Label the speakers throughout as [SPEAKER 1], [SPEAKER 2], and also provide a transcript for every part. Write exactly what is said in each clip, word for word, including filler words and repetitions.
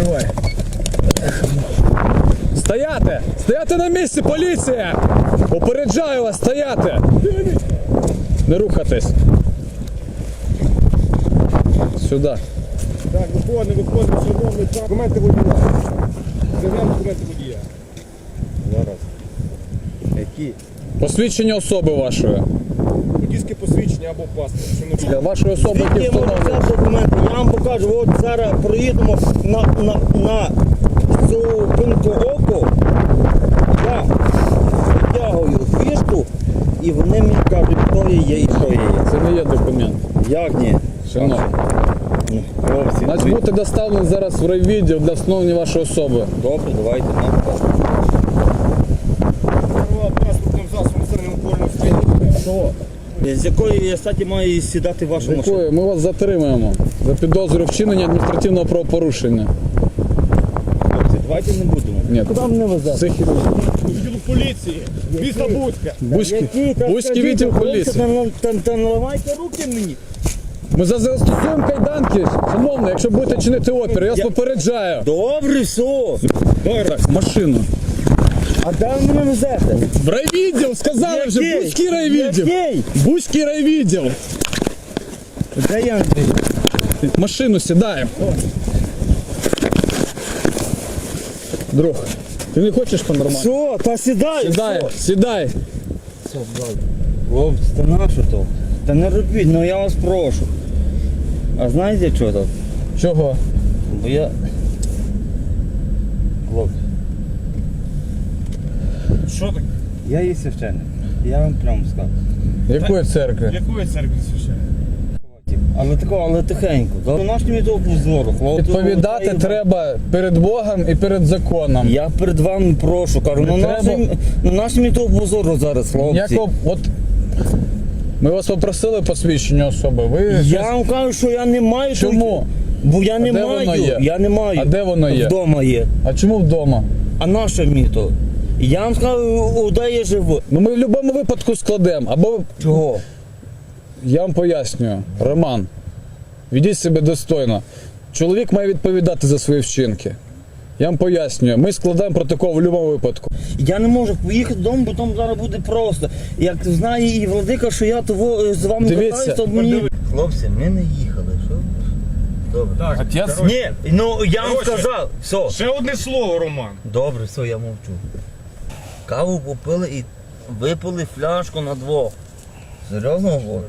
[SPEAKER 1] Відкривай. Стояти! Стояти на місці, поліція! Попереджаю вас, стояти! Не рухатись. Сюди.
[SPEAKER 2] Так, виходимо, виходимо, шановний, так. Документи водія. Зайдемо документи водія. Зараз. Які?
[SPEAKER 1] Посвідчення особи вашої.
[SPEAKER 2] Водійське посвідчення або паспорт. Що не
[SPEAKER 1] Для вашої особи, які
[SPEAKER 3] Звідки я можу
[SPEAKER 1] встановлені.
[SPEAKER 3] взяти документи? Я вам покажу, от зараз проїдемо на, на, на зупинку оку, я витягую фішку, і вони мені кажуть, хто я є і що я є.
[SPEAKER 1] Це не є документ.
[SPEAKER 3] Як ні?
[SPEAKER 1] Шановні.
[SPEAKER 3] Ну, хлопці,
[SPEAKER 1] Значить,
[SPEAKER 3] ви-
[SPEAKER 1] будете доставлені зараз в райвідділ для встановлення вашої особи.
[SPEAKER 3] добре, давайте нам.
[SPEAKER 2] керував транспортним засобом середньому польному стані.
[SPEAKER 1] Що?
[SPEAKER 3] З якої я статі маю сідати в вашу машину?
[SPEAKER 1] Якою? Ми вас затримуємо за підозрою вчинення адміністративного правопорушення.
[SPEAKER 3] Хлопці, давайте не будемо.
[SPEAKER 1] Ні.
[SPEAKER 3] Куди мене везете?
[SPEAKER 1] Це хірург.
[SPEAKER 2] Відділу поліції. Міста Буцька.
[SPEAKER 1] Бузький, Бузький відділ поліції.
[SPEAKER 3] Та, та наливайте руки мені.
[SPEAKER 1] Ми за- застосуємо кайданки, шановний, якщо будете чинити опір, я вас
[SPEAKER 3] Я-
[SPEAKER 1] попереджаю.
[SPEAKER 3] Добре, все.
[SPEAKER 1] Так, машину.
[SPEAKER 3] А де ви мене везете?
[SPEAKER 1] В райвідділ, сказали вже,
[SPEAKER 3] Який?
[SPEAKER 1] Бузький райвідділ.
[SPEAKER 3] Який?
[SPEAKER 1] Бузький райвідділ.
[SPEAKER 3] Де я, Андрій?
[SPEAKER 1] В машину сідаємо. Друг, ти не хочеш по-нормальному?
[SPEAKER 3] Все, та сідай.
[SPEAKER 1] Сідай, сідай.
[SPEAKER 3] Хлопці, та нащо то? Та не робіть, ну я вас прошу. А знаєте що то?
[SPEAKER 1] Чого?
[SPEAKER 3] Бо я... Хлопці,
[SPEAKER 2] Що таке?
[SPEAKER 3] я є священник. Я вам прямо скажу.
[SPEAKER 1] Якої церкви?
[SPEAKER 2] Якої церкви священник?
[SPEAKER 3] Але такого, але тихенько. За нашими того позору, хлопці.
[SPEAKER 1] Відповідати
[SPEAKER 3] Та й-
[SPEAKER 1] треба перед Богом і перед законом.
[SPEAKER 3] Я перед вами прошу, кажу,
[SPEAKER 1] Не
[SPEAKER 3] на
[SPEAKER 1] треба.
[SPEAKER 3] нашим, на нашим того позору зараз, хлопці.
[SPEAKER 1] Ніякого, от ми вас попросили посвідчення особи. Ви
[SPEAKER 3] Я
[SPEAKER 1] щось-
[SPEAKER 3] вам кажу, що я не маю.
[SPEAKER 1] Чому?
[SPEAKER 3] Бо я
[SPEAKER 1] А
[SPEAKER 3] не
[SPEAKER 1] де
[SPEAKER 3] маю.
[SPEAKER 1] воно є?
[SPEAKER 3] Я не маю.
[SPEAKER 1] А де воно є?
[SPEAKER 3] Вдома є.
[SPEAKER 1] А чому вдома?
[SPEAKER 3] А наше місто? Я вам скажу, де я живу.
[SPEAKER 1] Ну ми в будь-якому випадку складемо. Або
[SPEAKER 3] Чого?
[SPEAKER 1] я вам пояснюю, Роман, ведіть себе достойно. Чоловік має відповідати за свої вчинки. Я вам пояснюю, ми складаємо протокол в будь-якому випадку.
[SPEAKER 3] Я не можу поїхати додому, бо там зараз буде просто. Як знає і владика, що я того з вами
[SPEAKER 1] Дивіться.
[SPEAKER 3] катаюсь, то мені... Хлопці, ми не їхали, що? Добре.
[SPEAKER 2] Так,
[SPEAKER 1] Отець?
[SPEAKER 2] коротше,
[SPEAKER 3] Ні, ну я вам
[SPEAKER 2] Коротше.
[SPEAKER 3] сказав. Все.
[SPEAKER 2] Ще одне слово, Роман.
[SPEAKER 3] Добре, все, я мовчу. Каву попили і випили фляжку на двох. Серйозно говорю?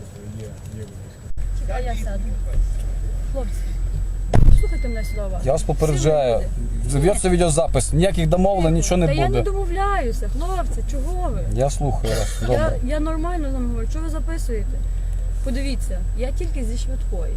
[SPEAKER 4] Чекай, я сяду. Хлопці, слухайте мене сюди уважно.
[SPEAKER 1] Я вас попереджаю. З'явиться відеозапис, ніяких домовлень, нічого
[SPEAKER 4] Та
[SPEAKER 1] не
[SPEAKER 4] я не
[SPEAKER 1] буде.
[SPEAKER 4] домовляюся, хлопці, чого ви?
[SPEAKER 1] Я слухаю вас.
[SPEAKER 4] Я,
[SPEAKER 1] Добре.
[SPEAKER 4] я нормально з вами говорю, що ви записуєте? Подивіться, я тільки зі швидкої.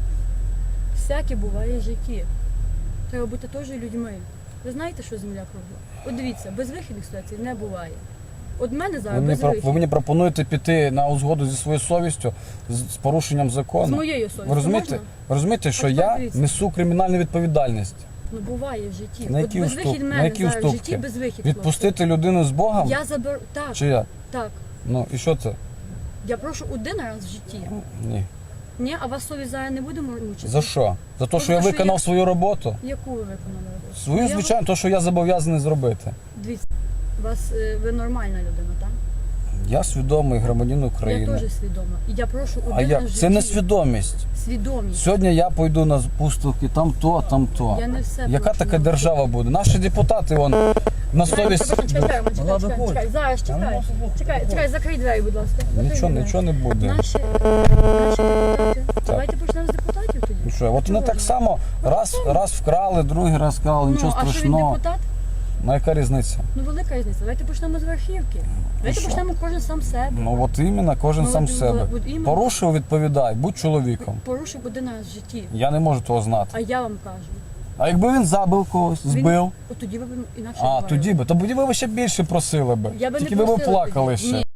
[SPEAKER 4] Всяке буває в житті. Треба бути теж людьми. Ви знаєте, що земля кругла? От дивіться, безвихідних ситуацій не буває. От мене
[SPEAKER 1] Ви
[SPEAKER 4] зараз
[SPEAKER 1] мені, про-
[SPEAKER 4] безвихідь.
[SPEAKER 1] ви мені пропонуєте піти на узгоду зі своєю совістю, з, з порушенням закону.
[SPEAKER 4] З моєю совістю
[SPEAKER 1] Ви розумієте,
[SPEAKER 4] можна?
[SPEAKER 1] ви розумієте, що
[SPEAKER 4] Ось
[SPEAKER 1] я
[SPEAKER 4] подивіться.
[SPEAKER 1] несу кримінальну відповідальність?
[SPEAKER 4] Ну буває в житті.
[SPEAKER 1] На
[SPEAKER 4] От
[SPEAKER 1] які,
[SPEAKER 4] безвихідь
[SPEAKER 1] уступ...
[SPEAKER 4] мене
[SPEAKER 1] на які
[SPEAKER 4] зараз в житті
[SPEAKER 1] уступки?
[SPEAKER 4] безвихідь.
[SPEAKER 1] Відпустити людину з Богом?
[SPEAKER 4] хлопці. Я заберу. Так,
[SPEAKER 1] Чи я?
[SPEAKER 4] так.
[SPEAKER 1] Ну і що це?
[SPEAKER 4] Я прошу один раз в житті.
[SPEAKER 1] Ні.
[SPEAKER 4] Ні, а вас совість зараз не буде мучити?
[SPEAKER 1] За що? За те,
[SPEAKER 4] За
[SPEAKER 1] що я
[SPEAKER 4] те, що
[SPEAKER 1] виконав
[SPEAKER 4] я-
[SPEAKER 1] свою роботу?
[SPEAKER 4] Яку ви виконали роботу?
[SPEAKER 1] Свою,
[SPEAKER 4] Я
[SPEAKER 1] звичайно, те, що я зобов'язаний зробити.
[SPEAKER 4] Дивіться, вас, е, ви нормальна людина, так?
[SPEAKER 1] Я свідомий громадянин
[SPEAKER 4] Я
[SPEAKER 1] України.
[SPEAKER 4] теж свідома. І я прошу один
[SPEAKER 1] А як?
[SPEAKER 4] раз в
[SPEAKER 1] Це не
[SPEAKER 4] житті.
[SPEAKER 1] свідомість.
[SPEAKER 4] Свідомість.
[SPEAKER 1] Сьогодні я пойду на пустовки, там то, там то.
[SPEAKER 4] Я не все
[SPEAKER 1] Яка
[SPEAKER 4] прошу
[SPEAKER 1] така
[SPEAKER 4] навчити.
[SPEAKER 1] держава буде? Наші депутати, вон, на совість.
[SPEAKER 4] Чекай, чекай, Роман, чекай,
[SPEAKER 3] Ладно,
[SPEAKER 4] чекай,
[SPEAKER 3] ходь.
[SPEAKER 4] чекай, зараз чекай. Чекай, чекай, закрий двері, будь ласка. Закрий
[SPEAKER 1] Нічого,
[SPEAKER 4] двері.
[SPEAKER 1] нічого не буде.
[SPEAKER 4] Наші, наші депутати. Давайте почнемо з депутатів тоді.
[SPEAKER 1] Ну що, от вони
[SPEAKER 4] Чого
[SPEAKER 1] так
[SPEAKER 4] ж?
[SPEAKER 1] само раз, раз вкрали, другий раз вкрали, нічого
[SPEAKER 4] Ну, а що він
[SPEAKER 1] страшного.
[SPEAKER 4] депутат?
[SPEAKER 1] Ну яка різниця?
[SPEAKER 4] Ну велика різниця. Давайте почнемо з верхівки. Давайте
[SPEAKER 1] що?
[SPEAKER 4] почнемо кожен сам з себе.
[SPEAKER 1] Ну от іменно, кожен
[SPEAKER 4] Ну,
[SPEAKER 1] сам
[SPEAKER 4] от,
[SPEAKER 1] себе.
[SPEAKER 4] от іменно.
[SPEAKER 1] Порушив, відповідай, будь чоловіком.
[SPEAKER 4] Порушив один раз в житті.
[SPEAKER 1] Я не можу того знати.
[SPEAKER 4] А я вам кажу.
[SPEAKER 1] А якби він забив когось,
[SPEAKER 4] Він-
[SPEAKER 1] збив,
[SPEAKER 4] От тоді ви б інакше
[SPEAKER 1] а
[SPEAKER 4] говорили.
[SPEAKER 1] тоді би, то тоді ви ще більше просили би.
[SPEAKER 4] Я би не
[SPEAKER 1] Тільки ви б
[SPEAKER 4] просила
[SPEAKER 1] плакали
[SPEAKER 4] тоді.
[SPEAKER 1] ще.
[SPEAKER 4] Ні.